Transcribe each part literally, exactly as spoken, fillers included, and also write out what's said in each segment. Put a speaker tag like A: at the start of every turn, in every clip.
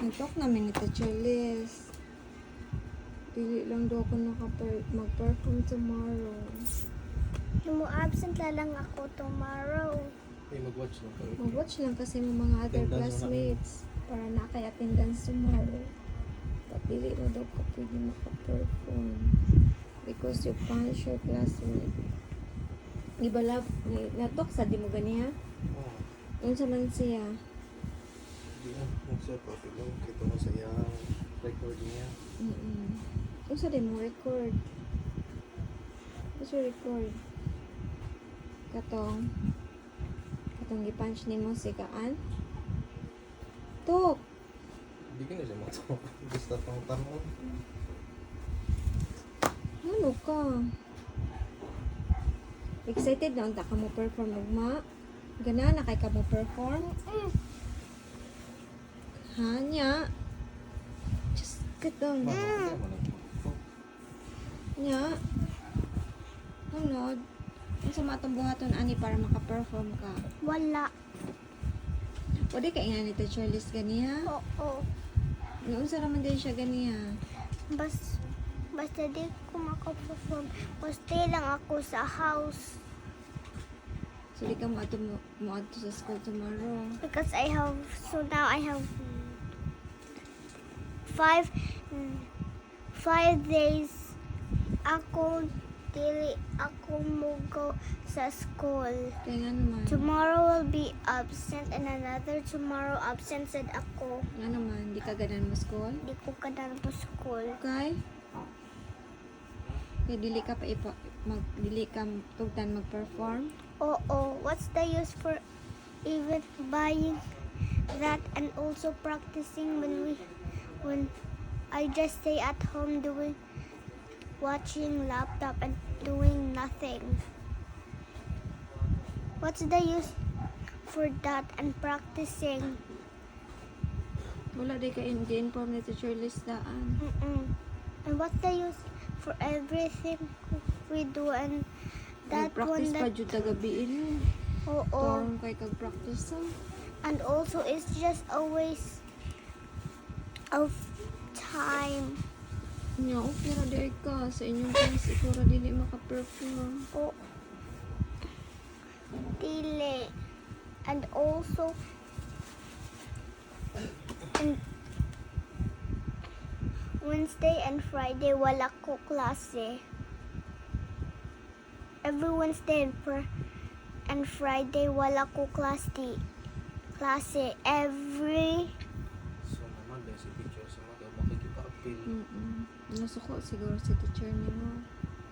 A: Nagtalk namin ni Teacher Liz. Dili lang daw ako naka- mag-perform tomorrow.
B: Mo absent la lang ako tomorrow.
C: Ay, mag-watch lang kayo.
A: Mag-watch lang kasi ng mga other
C: Attendance
A: classmates para na kay attendance tomorrow. But dili mo daw ka pwede maka-perform because you punch your classmate. Iba love, natok sa di mo ganiya?
C: Oo.
A: Unsa man siya?
C: Hindi na. Yung sa topic lang. Kito mo sa iyang recording niya.
A: Mm-mm. Unsa di mo record? Unsa record? Katong katong gi-punch nimo si Kaan? Tok!
C: Hindi ka na siya matok. Gusto pang tanong.
A: Ano ka? Excited na unta ka mo perform ugma? Gana na kay ka mo perform? Hanya. Just get down.
C: Bakit mo nag-talk?
A: Nya. Hunod. Unsa matong buhaton ani para maka-perform ka?
B: Wala.
A: Pwede ka nga ni Teacher Liz ganiya?
B: Oo.
A: Unsa raman din siya ganiya?
B: Bas, basta di ko makaperform. Stay lang ako sa house.
A: So di ka mo ato mo, mo ato sa school tomorrow.
B: Because I have, so now I have five, five days ako, dili ako mo go sa school.
A: Kaya nga naman.
B: Tomorrow will be absent and another tomorrow absent said ako.
A: Nga naman, di ka ganan mo school?
B: Di ko kadang po school.
A: Okay? Kaya dili ka pa ipa, mag, dili ka tugtan mag-perform?
B: Oo, what's the use for even buying that and also practicing when we when I just stay at home doing watching laptop and doing nothing. What's the use for that and practicing?
A: Wala di ka in- di-inform ni Teacher Liz daan.
B: Mm-mm. And what's the use for everything we do and that
A: Nag-practice
B: one
A: pa
B: that
A: jud tagabiin mo.
B: oo.
A: Torong kay kag-practice ha.
B: And also it's just a waste of time.
A: Nya, okay ra di ka sa inyong class ikaw ra dili maka-perform.
B: Oh, dili. And also, and Wednesday and Friday wala ko klase. Every Wednesday and, fr- and Friday wala ko klase. Di, klase every
C: So, naman dahil si teacher sa mga makikipag-appeal.
A: Mm-mm. Nasuko siguro si teacher nimo.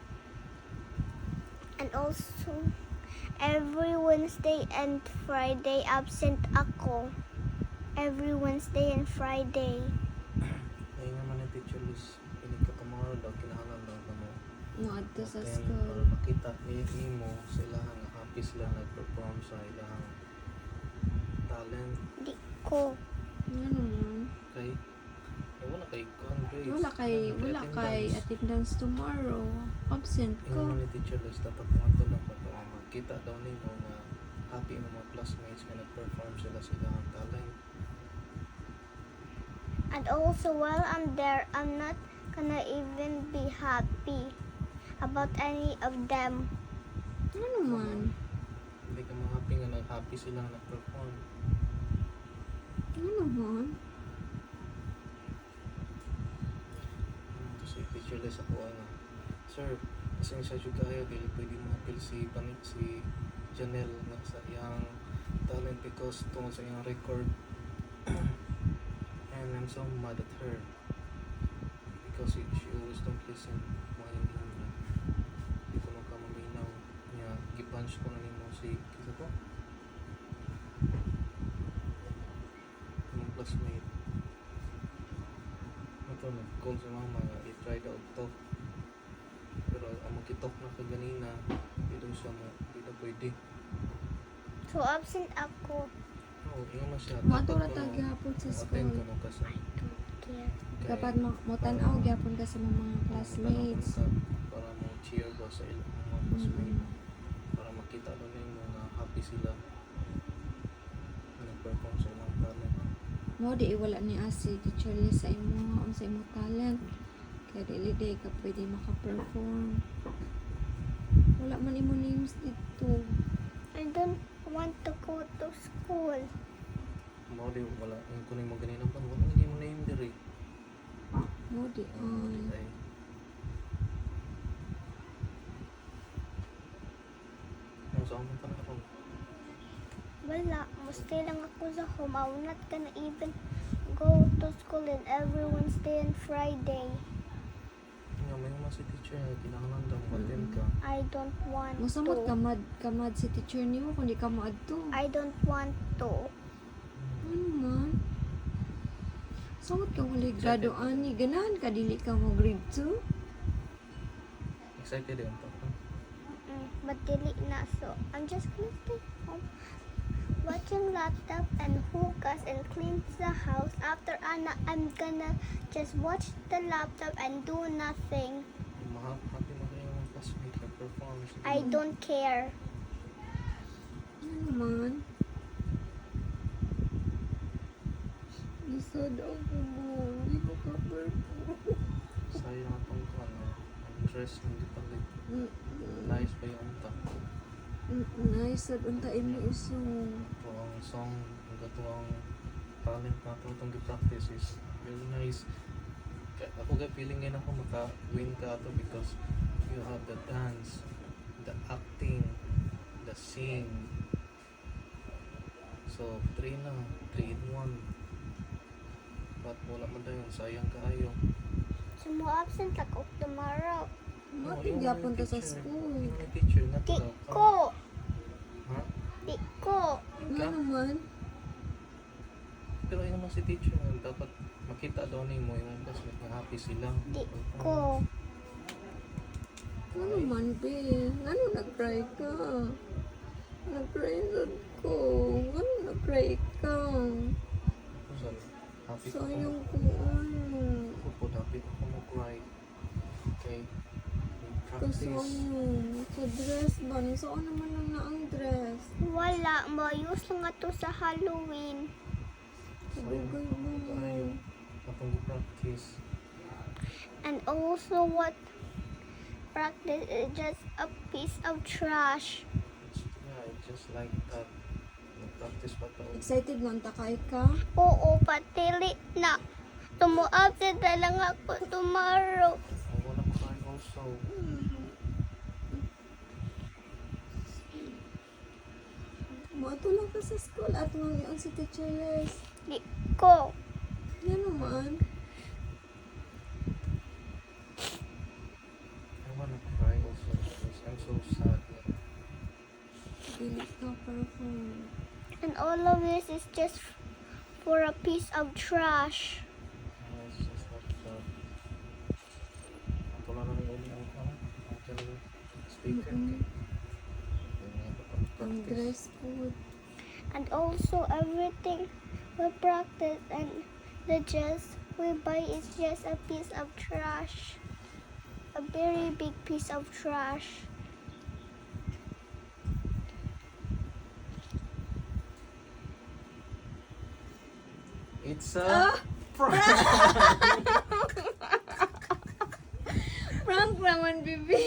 B: and also every Wednesday and Friday absent ako. Every Wednesday and Friday.
C: Ayun naman yung teacher list. Pinig ka tomorrow daw. Kinahanglan daw ka mo.
A: Mo adto sa
C: Attend
A: school.
C: Para makita ni mo sa ilahang nga happy sila nag-perform sa ilahang talent.
B: Di ko.
A: Nga naman.
C: Kay eh, wala kay con grades.
A: Wala kay wala kay attendance tomorrow. Absent
C: Yung
A: ka.
C: naman ni teacher list dapat mga tulong pa para makita daw nimo nga happy ang mga classmates nga nag-perform sila sa ilahang talent.
B: And also while I'm there, I'm not gonna even be happy about any of them.
A: Nga naman.
C: Hindi ka ma-happy nga nag-happy sila nga nag-perform.
A: Nga naman.
C: Kasi teacher list ako ano. Sir, pasensya siya kayo dili pwede ma-appeal si Panit si Janelle nga sa iyang talent because tungkol sa iyang record. And I'm so mad at her because she, she always don't listen mga hindi niya. Hindi ko magkamaminaw niya. Gipunch ko na nimo si kisa ko yung classmate. Ito nag-call sa mama nga i-try daw talk pero ang makitalk na ka ganina hindi daw siya mo hindi daw pwede.
B: So absent ako.
C: Oo, ingon na siya.
A: Matura
C: Dapat
A: ta
C: ko-
A: gyapon sa
C: attend ka
A: school.
C: mo kasi.
B: Care.
A: Dapat mo mo tan-aw gyapon ka sa mga classmates.
C: Para mo cheer ba sa ilang mga classmates. Para makita doon yung mga happy sila na nag-perform sa ilang talent.
A: Mo di wala ni asi teacher ni sa imo ang sa imo talent. Kaya dili day ka pwede maka-perform. Wala man imo names dito.
B: I don't want to go to school.
C: Mo di wala yung kunin mo ganina pa wala lagi mo name diri.
A: Mo di ay.
C: Ay. Ano sa amin pa na ako?
B: Wala, stay lang ako sa home. I'm not gonna even go to school and every Wednesday and Friday.
C: Nga, may mga si teacher na kinahanglan daw mag-attend ka.
B: I don't want
A: Masamot
B: to.
A: kamad kamad si teacher nimo kundi ka mo adto.
B: I don't want to.
A: Ano man? Samot ka wala graduan ni ganahan ka dili ka mo grade two.
C: Excited yun pa.
B: Mm, but dili na, so I'm just gonna stay home watching laptop and hookahs and clean the house. After Anna, I'm gonna just watch the laptop and do nothing.
C: Happy mo kayo mga classmate na perform.
B: I don't care.
A: Ano man? Isa daw ko mo. Hindi ko ka perform.
C: Sayang atong ano, ang dress hindi palit. Nice pa yung unta.
A: Nice at untain mo isong.
C: Ito ang song, ang gato ang talent na ito itong gi-practice is very nice. Kaya ako ga feeling ngayon ako maka-win ka ito because you have the dance, the acting, the sing. So, three na, three in one. But wala man tayo, sayang kaayo.
B: So mo absent ako tomorrow.
A: Mati gyapon ta sa school.
C: Yung mga teacher na
B: Di
C: to.
B: ko.
C: Ha?
B: Di ko.
A: Ano man?
C: Pero yun naman si teacher nga, dapat makita daw ni mo yung classmate na happy sila.
B: Di ko.
A: Ano man, be? Ano nag-cry ka? Nag-cry sad ko. Ano nag-cry ka?
C: Ako sa happy ko.
A: Sayang ko ano.
C: Ako po, happy ako mag-cry. Okay.
A: Kasi
C: Practice.
A: ano, sa dress ba? Saan naman lang na ang dress?
B: Wala. Mayus nga to sa Halloween.
A: Sabagay mo.
C: Tayo. Atong practice.
B: And also what practice is just a piece of trash.
C: It's, yeah, it's just like that. Nag-practice pa to.
A: Excited mo ang takay ka?
B: Oo, patili na. Tumu-absent na lang ako tomorrow.
C: I wanna cry also.
A: Mato lang ka sa school at mga ang si Teacher Les.
B: Di ko.
A: Yan naman.
C: I wanna cry also because I'm so sad.
A: Dili ka perform.
B: And all of this is just for a piece of trash.
C: Uh, It's just like that. Ako lang naman yun yung ano, ang talagang speaker.
A: Mm-mm.
C: Yun nga ba ang
A: Ang
C: practice?
A: dress code.
B: And also everything we practice and the dress we buy is just a piece of trash. A very big piece of trash.
C: It's a
A: Ah!
C: prank!
A: Prank naman, bibi.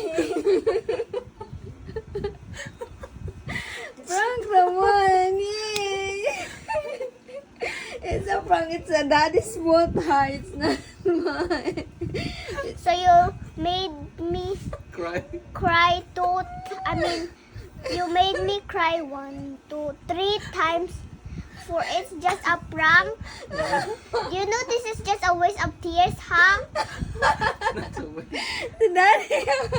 A: Prank naman. Yay! It's a prank. It's a daddy's fault, ha? It's not mine.
B: So you made me
C: Cry.
B: cry two, I mean, you made me cry one, two, three times. For it's just a prank. You know this is just a waste of tears, huh?
C: That's a way.
A: Si daddy.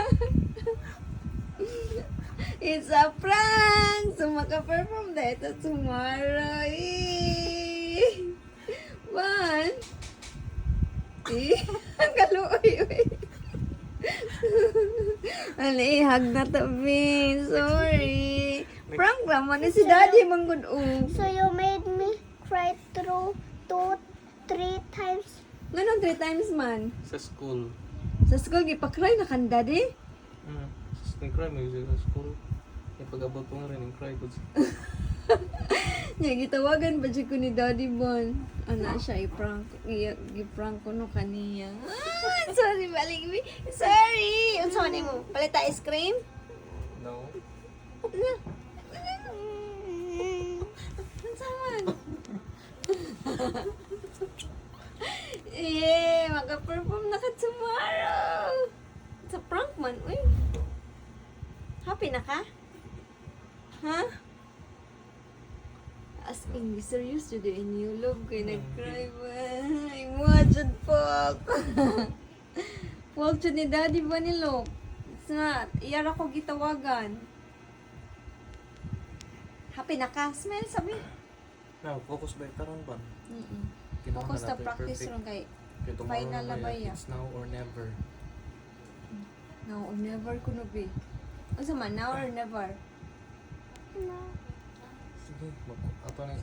A: It's a prank. So, maka-perform na ito tomorrow. Eh. One. Eh. Ang kaluoy. Ali, hag na to, Bin. Sorry. Prank naman. Eh, si daddy manggod oh.
B: So you made me cry through two, three times.
A: Ganun, three times man.
C: Sa school.
A: Sa school, gipakry na kan daddy.
C: Hmm. Sa cry mo sa school. Yung pag-abot ko nga rin, yung cry ko.
A: Nya gitawagan ba siya ko ni Daddy Bon? Ana siya i-prank, i- i-prank ko no kaniya. Ah, sorry, balik mi. Sorry. Unsa man mo? Palita ice cream?
C: No.
A: Na. Unsa man? Eh, maka-perform na ka tomorrow. Sa prank man, uy. Happy na ka? Ha? As in, serious to the new love kay nag-cry ba? Imagine po. Huwag siya ni Daddy ba ni Lok? Nga, iyara ko gitawagan. Happy na ka? Smile, sabi.
C: Now, focus ba karon ba?
A: Mm-mm.
C: Kinahanglan
A: Focus na
C: nato
A: practice
C: i-perfect.
A: ron kay
C: Kaya tomorrow
A: final na
C: na
A: ba
C: ba
A: ya?
C: It's now or never.
A: now or never ko na be. Ano man, now or never?
B: No.
C: Sige, mag ato na